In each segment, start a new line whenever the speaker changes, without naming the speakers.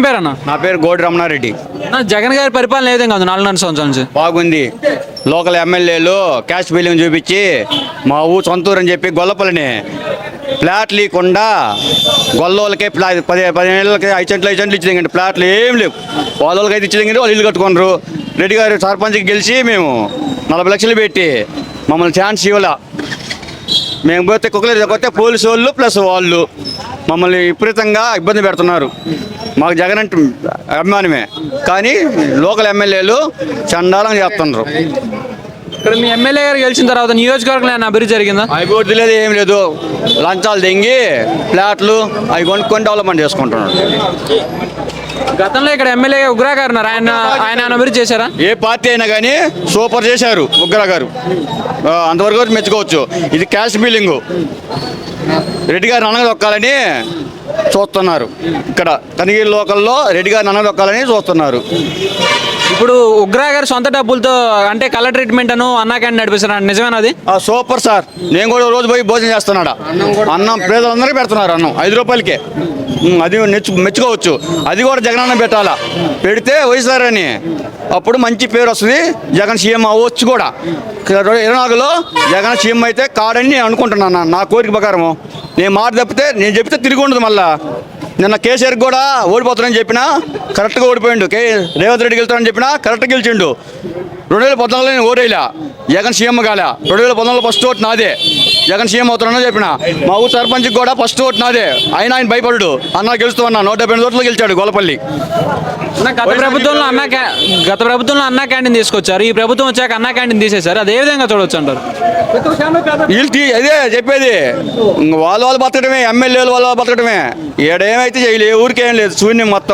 పేరన్నా?
నా పేరు గోడి రమణారెడ్డి.
జగన్ గారి పరిపాలన ఏ విధంగా ఉంది 4.5 సంవత్సరాల నుంచి?
బాగుంది. లోకల్ ఎమ్మెల్యేలు క్యాష్ బిల్లింగ్ చూపించి మా ఊరు సొంతూరు అని చెప్పి గొల్లపల్లిని ఫ్లాట్లు ఇవ్వకుండా గొల్లోళ్ళకే 15 ఏళ్ళకి 5 సెంట్లు ఇచ్చింది. ఫ్లాట్లు ఏం లేవు. వాళ్ళకి అయితే ఇచ్చింది, వాళ్ళు ఇల్లు కట్టుకున్నారు. రెడ్డి గారు సర్పంచ్కి గెలిచి మేము 40 లక్షలు పెట్టి మమ్మల్ని ఛాన్స్ ఇవ్వాల. మేము పోతే కుక్కలు పోతే పోలీసు వాళ్ళు ప్లస్ వాళ్ళు మమ్మల్ని విపరీతంగా ఇబ్బంది పెడుతున్నారు. మాకు జగన్ అంటే అభిమానమే, కానీ లోకల్ ఎమ్మెల్యేలు చండాలంగా చేస్తున్నారు.
ఇక్కడ మీ ఎమ్మెల్యే గారు గెలిచిన తర్వాత నియోజకవర్గంలో ఏమైనా అభివృద్ధి జరిగిందా?
అభివృద్ధి లేదు, ఏం లేదు. లంచాలు తెంగి ఫ్లాట్లు అవి కొనుక్కొని డెవలప్మెంట్ చేసుకుంటున్నారు.
గతంలో ఇక్కడ ఎమ్మెల్యే ఉగ్రా గారు ఉన్నారు, ఆయన అభివృద్ధి చేశారా?
ఏ పార్టీ అయినా కానీ సూపర్ చేశారు ఉగ్రా గారు, అంతవరకు మెచ్చుకోవచ్చు. ఇది క్యాష్ బిల్లింగు రెడ్డి గారు అనగదొక్కాలని చూస్తున్నారు. ఇక్కడ కనిగిరి లోకల్లో రెడ్డి గారిని అనగదొక్కాలని చూస్తున్నారు.
ఇప్పుడు ఉగ్రా గారు సొంత డబ్బులతో అంటే కలర్ ట్రీట్మెంట్ అను అన్నా క్యాంటీన్ నడిపిస్తున్నారు, నిజమేనా అది?
Super sir. నేను కూడా రోజు పోయి భోజనం చేస్తున్నాడా. అన్నం పేదలందరికీ పెడుతున్నారు, అన్నం 5 రూపాయలకే. అది మెచ్చుకోవచ్చు. అది కూడా జగన్ అన్నం పెట్టాలా, పెడితే వైఎస్ఆర్ అని అప్పుడు మంచి పేరు వస్తుంది. జగన్ సీఎం అవ్వచ్చు కూడా. 24లో జగన్ సీఎం అయితే కాడని నేను అనుకుంటున్నాను. నా కోరిక ప్రకారము నేను మాట తప్పితే నేను చెప్తే తిరిగి ఉండదు. మళ్ళా నిన్న కేసీఆర్ కూడా ఓడిపోతానని చెప్పినా కరెక్ట్గా ఓడిపోయిండు. రేవంత్ రెడ్డి గెలుతానని చెప్పినా కరెక్ట్గా గెలిచిండు. 2014లో నేను ఓడేలా, జగన్ సీఎం కాలే. 2019లో ఫస్ట్ ఓటు నాదే, జగన్ సీఎం అవుతానని చెప్పిన. మా ఊరు సర్పంచ్కి కూడా ఫస్ట్ ఓటు నాదే, అయినా ఆయన భయపడు. అన్న గెలుస్తూ అన్నా 170 ఓట్లు గెలిచాడు గొల్లపల్లి.
గత ప్రభుత్వంలో అన్నా క్యాంటీన్ తీసుకొచ్చారు, ఈ ప్రభుత్వం వచ్చాక అన్నా క్యాంటీన్ తీసేశారు. అదే విధంగా చూడవచ్చు అంటారు?
వీళ్ళు అదే చెప్పేది, వాళ్ళు బతకడమే, ఎమ్మెల్యేలు వాళ్ళు బతకడమే. ఏడేమైతే చేయలేదు, ఏ ఊరికేం లేదు, శూన్యం మొత్తం.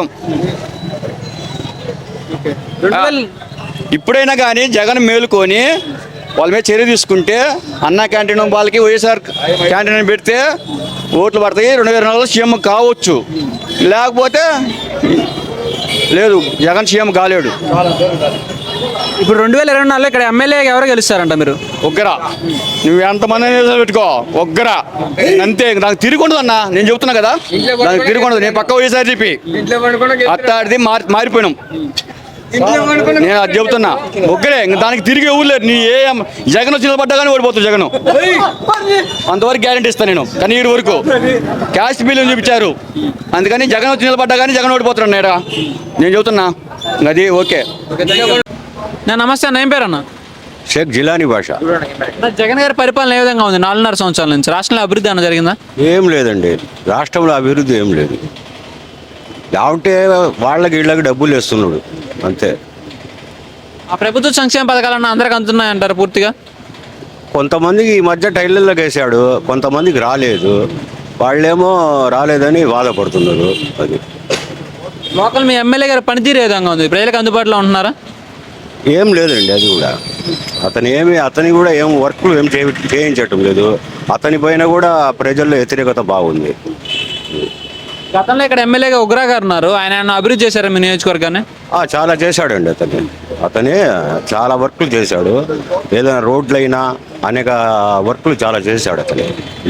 ఇప్పుడైనా కానీ జగన్ మేలుకొని వాళ్ళ మీద చర్య తీసుకుంటే అన్నా క్యాంటీన్ వాళ్ళకి వైఎస్ఆర్ క్యాంటీన్ పెడితే ఓట్లు పడతాయి. 2024లో సీఎం కావచ్చు, లేకపోతే లేదు, జగన్ సీఎం కాలేడు.
ఇప్పుడు 2024లో ఇక్కడ ఎమ్మెల్యే ఎవరు గెలుస్తారంట మీరు?
ఒగ్గరా. నువ్వు ఎంతమంది పెట్టుకో, ఒగ్గరా అంతే. నాకు తిరిగి ఉండదు అన్న, నేను చెబుతున్నా కదా, నాకు తిరిగి ఉండదు. నేను పక్క వైఎస్ఆర్ చెప్పి అట్టాడిది మారిపోయినాం. నేను అది చెబుతున్నా, ఒక్కరే. దానికి తిరిగి ఊర్లేదు. నీ ఏ జగన్ వచ్చి నిలబడ్డా కానీ ఓడిపోతుంది జగన్, అంతవరకు గ్యారెంటీ ఇస్తాను నేను. కానీ ఈ వరకు క్యాష్ బిల్లు చూపించారు, అందుకని జగన్ వచ్చి నిలబడ్డా కానీ జగన్ ఓడిపోతున్నాడు. నేను చెబుతున్నా అది. ఓకే,
నమస్తే అన్న, ఏం పేరు అన్న?
షేక్ జిలానీ భాష.
జగన్ గారి పరిపాలన ఏ విధంగా ఉంది 4.5 సంవత్సరాల నుంచి? రాష్ట్రంలో అభివృద్ధి అన్న జరిగిందా?
ఏం లేదండి, రాష్ట్రంలో అభివృద్ధి ఏం లేదు. లేకుంటే వాళ్ళకి వీళ్ళకి డబ్బులు వేస్తున్నాడు అంతే.
ఆ ప్రభుత్వ సంక్షేమ పథకాలన్నా అందరికి అందుతున్నాయి అంటారు పూర్తిగా?
కొంతమందికి ఈ మధ్య టైలర్లకు వేసాడు, కొంతమందికి రాలేదు. వాళ్ళేమో రాలేదని బాధపడుతున్నారు. అది
లోకల్ మీ ఎమ్మెల్యే గారి పనితీరు ఏ విధంగా ఉంది? ప్రజలకు అందుబాటులో ఉంటున్నారా?
ఏం లేదండి. అది కూడా అతని కూడా ఏం వర్క్లు ఏం చేయించటం లేదు. అతని పైన కూడా ప్రజల్లో వ్యతిరేకత బాగుంది.
గతంలో ఇక్కడ ఎమ్మెల్యేగా ఉగ్రా గారు ఉన్నారు, ఆయన అభివృద్ధి చేశారు మీ నియోజకవర్గాన్ని?
చాలా చేశాడండి. అతనే చాలా వర్క్లు చేశాడు. ఏదైనా రోడ్లైనా అనేక వర్క్లు చాలా చేశాడు అతనే.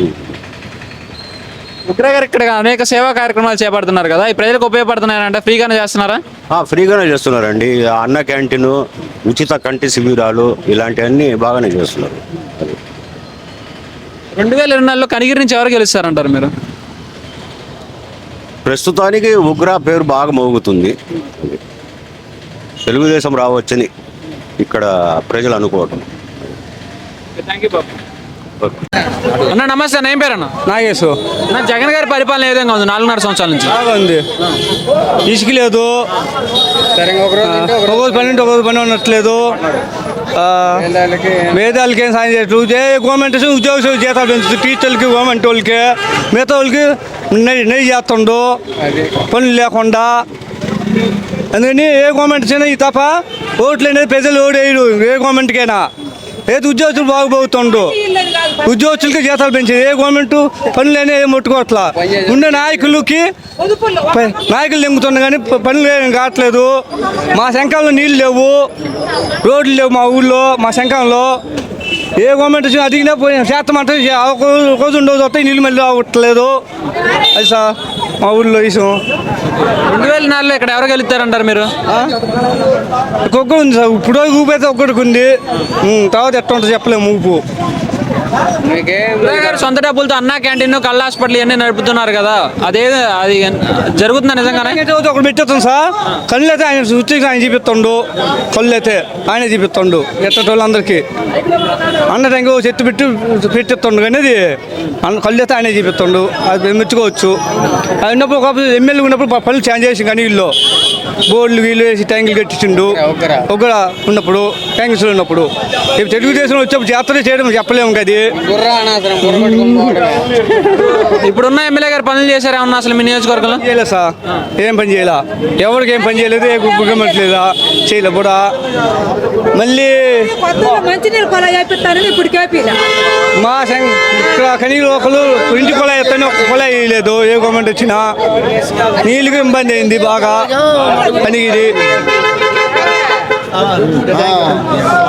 ఉగ్రా గారు ఇక్కడ అనేక సేవా కార్యక్రమాలు చేపడుతున్నారు కదా, ఈ ప్రజలకు ఉపయోగపడుతున్నాయంటే ఫ్రీగానే చేస్తున్నారా?
ఫ్రీగానే చేస్తున్నారండి. అన్న క్యాంటీన్, ఉచిత కంటి శిబిరాలు ఇలాంటివన్నీ బాగానే చేస్తున్నారు.
2024లో కనిగిరి నుంచి ఎవరు గెలుస్తారంటారు మీరు?
ప్రస్తుతానికి ఉగ్రా పేరు బాగా మోగుతుంది. తెలుగుదేశం రావచ్చని ఇక్కడ ప్రజలు అనుకోవటం.
అన్న నమస్తే అన్న, ఏం పేరు అన్న?
నాగేశు.
జగన్ గారి పరిపాలన ఏ విధంగా ఉంది 4.5 సంవత్సరాల నుంచి?
బాగుంది. ఇసుక లేదు, ఒకరోజు పని ఉంటే ఒకరోజు పని ఉండట్లేదు. వేదాలకి ఏం సాయం చేయట్లేదు. గవర్నమెంట్ ఉద్యోగ జీతాలు పెంచుతుంది, టీచర్లకి, గవర్నమెంట్ వాళ్ళకి. మిగతా వాళ్ళకి నెయ్యి చేస్తుండు పనులు లేకుండా. అందుకని ఏ గవర్నమెంట్ అయినా ఈ తప్ప ఓట్లు అనేది ప్రజలు ఓడేయడు. ఏ గవర్నమెంట్కైనా ఏది ఉద్యోగస్తులు బాగుపోతుండు, ఉద్యోగస్తులకి జీతాలు పెంచేది. ఏ గవర్నమెంట్ పనులు అనేవి ముట్టుకోవట్లా. ఉండే నాయకులు నింపుతున్నా కానీ పనులు ఏం కావట్లేదు. మా శంఖంలో నీళ్ళు లేవు, రోడ్లు లేవు మా ఊళ్ళో. మా శంఖంలో ఏ గవర్నమెంట్ అడిగినా పోయి చేస్తామంటే ఒక రోజు ఉండవు, వస్తాయి నీళ్ళు మళ్ళీ అవ్వట్లేదు. అది సార్. మా ఊళ్ళో ఇసం
2004లో ఇక్కడ ఎవరు గెలుస్తారంటారు మీరు?
ఒక్కొక్క ఉంది సార్, ఇప్పుడు ఊపైతే ఒక్కడికి ఉంది. తర్వాత ఎట్లా ఉంటుంది చెప్పలేము ఊపు.
ఉదయ్ గారు సొంత డబ్బులతో అన్నా క్యాంటీన్, కళ్ళ హాస్పిటల్ ఇవన్నీ నడుపుతున్నారు కదా, అది జరుగుతుందా నిజంగానే?
ఒకటి పెట్టేస్తాం సార్, కళ్ళు అయితే ఆయన వచ్చి ఆయన చూపిస్తుండు, కళ్ళు అయితే ఆయనే చూపిస్తుండు ఎట్టోళ్ళందరికీ. అన్న టైంకి చెట్టు పెట్టిస్తుండు కానీ అది కళ్ళు అయితే ఆయనే చూపిస్తుండు, అది మెచ్చుకోవచ్చు. అది ఉన్నప్పుడు ఒక ఎమ్మెల్యే ఉన్నప్పుడు పనులు చేంజ్ చేసి కానీ వీళ్ళు బోర్డులు వీళ్ళు వేసి ట్యాంకులు కట్టించిండు ఒక ఉన్నప్పుడు, ట్యాంక్స్లో ఉన్నప్పుడు. ఇప్పుడు తెలుగుదేశం వచ్చేప్పుడు జాతర చేయడం చెప్పలేము కదా.
ఇప్పుడున్న ఎమ్మెల్యే గారు పనులు చేశారు ఏమన్నా అసలు మీ నియోజకవర్గంలో?
చేయలేదు సార్, ఏం పని చేయలే, ఎవరికి ఏం పని చేయలేదు, ఏ గవర్నమెంట్ లేదా చేయలే కూడా. మళ్ళీ
మంచినీళ్ళు కొలా చేపిస్తారని ఇప్పుడు కేపీలా
మా ఇక్కడ కనీలు ఒకరు ఇంటి కొలాయి ఎత్తాను, ఒక కొలాయి వేయలేదు ఏ గవర్నమెంట్ వచ్చినా. నీళ్ళకి ఇబ్బంది అయింది బాగా పనికిది.